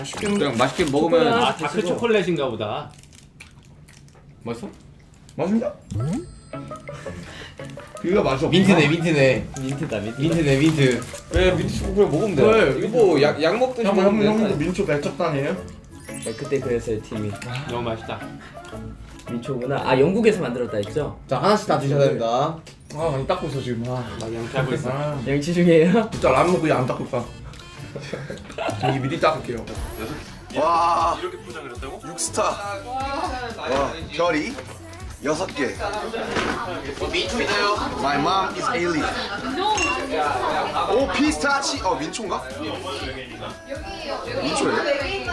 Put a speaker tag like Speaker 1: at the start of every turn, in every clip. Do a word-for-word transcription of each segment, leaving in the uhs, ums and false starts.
Speaker 1: 그냥 맛있게 먹으면.
Speaker 2: 아 다크 초콜릿인가 보다.
Speaker 1: 맛있어?
Speaker 3: 맛있냐? 비가 맛이 없어.
Speaker 1: 민트네 민트네.
Speaker 2: 민트다 민트.
Speaker 1: 민트네 민트. 왜 민트 초콜릿 먹으면 돼?
Speaker 3: 왜?
Speaker 1: 이거 뭐 약 약 먹듯이
Speaker 3: 형, 형,
Speaker 1: 먹으면
Speaker 3: 형도
Speaker 1: 돼.
Speaker 3: 민초 백척단이에요?
Speaker 4: 네, 그때 그랬어요 팀이.
Speaker 2: 너무 맛있다.
Speaker 4: 민초구나. 아 영국에서 만들었다 했죠?
Speaker 1: 자 하나씩 다 드셔야 됩니다.
Speaker 3: 아 많이 닦고 있어 지금. 아,
Speaker 2: 막 양치하고 있어.
Speaker 3: 아
Speaker 4: 양치 중이에요?
Speaker 3: 진짜 라면 먹고 안 닦고 있다. 저기 미리 닦을게요.
Speaker 5: 와 이렇게 포장을 했다고? 육스타 와 별이 여섯 개. 민초이나요? My mom is alien. 오 피스타치 어 민초인가? 민초예요?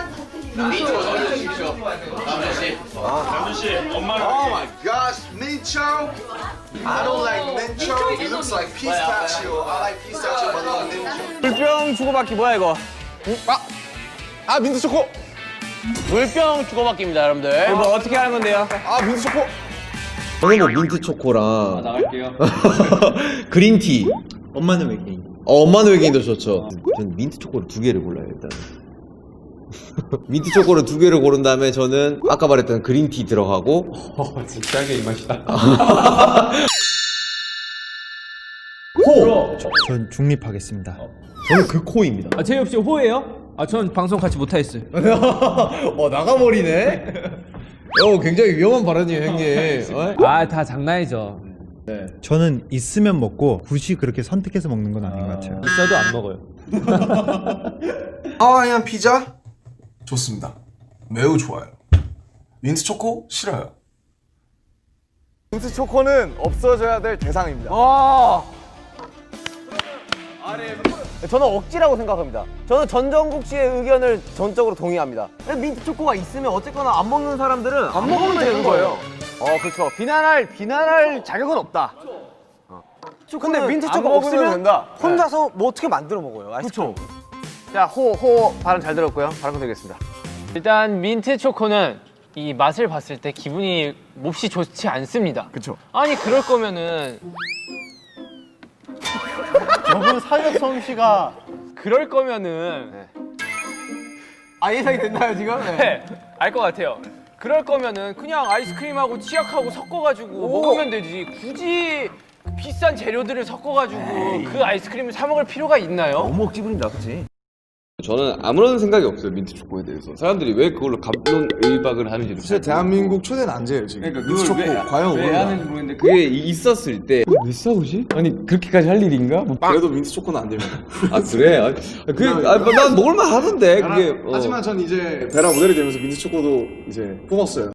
Speaker 2: 남준 씨 엄마랑.
Speaker 5: Oh my gosh, 민초. I don't like 민초. It looks like pistachio. I like pistachio, but not 민초.
Speaker 6: 물병 주고받기 뭐야 이거?
Speaker 5: 아, 아 민트 초코.
Speaker 6: 물병 주고받기입니다 여러분들. 이거 어떻게 하는 건데요?
Speaker 5: 아 민트 초코.
Speaker 1: 저는 뭐 민트 초코랑
Speaker 2: 나갈게요.
Speaker 1: 그린티.
Speaker 7: 엄마는 외계인.
Speaker 1: 어, 엄마는 외계인도 좋죠. 저는 민트 초코를 두 개를 골라요 일단. 민트 초코를 두 개를 고른 다음에 저는 아까 말했던 그린티 들어가고.
Speaker 2: 어 진짜게 이 맛이다.
Speaker 7: 호! 전 중립하겠습니다.
Speaker 1: 저는 그 코입니다.
Speaker 8: 아 제이 없이 호예요? 아 전 방송 같이 못하겠어요.
Speaker 1: 어 나가버리네. 어 굉장히 위험한 발언이에요 형님. 어?
Speaker 8: 아 다 장난이죠.
Speaker 7: 저는 있으면 먹고 굳이 그렇게 선택해서 먹는 건 아닌 것 같아요.
Speaker 8: 있어도 안 먹어요.
Speaker 5: 하와이안 피자 좋습니다. 매우 좋아요. 민트 초코 싫어요. 민트 초코는 없어져야 될 대상입니다.
Speaker 6: 저는 억지라고 생각합니다. 저는 전정국 씨의 의견을 전적으로 동의합니다. 민트 초코가 있으면 어쨌거나 안 먹는 사람들은 안 먹으면 되는 거예요. 어, 그렇죠. 비난할 비난할 자격은 없다. 어. 근데 민트 초코 없으면 된다. 혼자서 뭐 어떻게 만들어 먹어요? 그렇죠. 자, 호, 호 발언 잘 들었고요. 발언 드리겠습니다.
Speaker 9: 일단 민트 초코는 이 맛을 봤을 때 기분이 몹시 좋지 않습니다.
Speaker 6: 그렇죠.
Speaker 9: 아니 그럴 거면은
Speaker 6: 저분 사격 솜씨가
Speaker 9: 그럴 거면은
Speaker 6: 아 예상이 됐나요 지금?
Speaker 9: 네, 알 것 같아요. 그럴 거면은 그냥 아이스크림하고 치약하고 섞어가지고 먹으면 되지. 굳이 비싼 재료들을 섞어가지고 그 아이스크림을 사 먹을 필요가 있나요?
Speaker 6: 너무 억지 부린다, 그렇지?
Speaker 1: 저는 아무런 생각이 없어요 민트 초코에 대해서. 사람들이 왜 그걸로 갑론을박을 하는지.
Speaker 5: 사실 대한민국 초대 난제예요 지금.
Speaker 1: 그러니까
Speaker 5: 민트 초코 과연
Speaker 1: 왜
Speaker 5: 오른다.
Speaker 1: 하는지 모르겠는데 그게 있었을 때 왜 싸우지? 아니 그렇게까지 할 일인가? 뭐,
Speaker 5: 그래도 민트 초코는 안 됩니다.
Speaker 1: 아 그래? 아, 그, 아, 뭐, 난 먹을만 하던데 그게. 어.
Speaker 5: 하지만 전 이제 베라 모델이 되면서 민트 초코도 이제 품었어요.